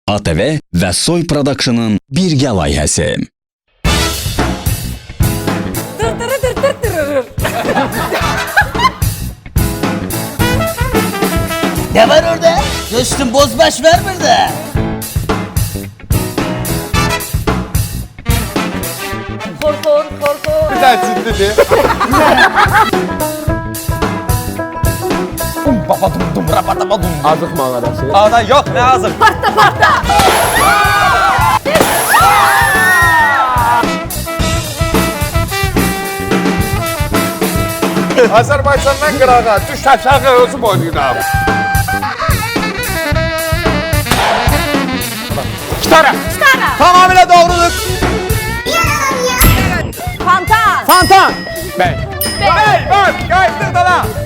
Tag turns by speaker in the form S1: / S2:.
S1: ATV və Soy Production'ın birgə layihəsi.
S2: Ne var orada? Dostum bozbaş var burada.
S3: Korkor.
S4: Bir tanesi dedi. Baba dum rabadama dum.
S5: Azık mağarası.
S4: Ağda yok ne hazır. Azerbaycan'dan Qırağa, düş aşağı özüm oynayın. Gitara. Tamamıyla doğrudur.
S3: Fantan.
S5: Fantan.
S4: Bey. Bey, bak, kayıtlı da lan.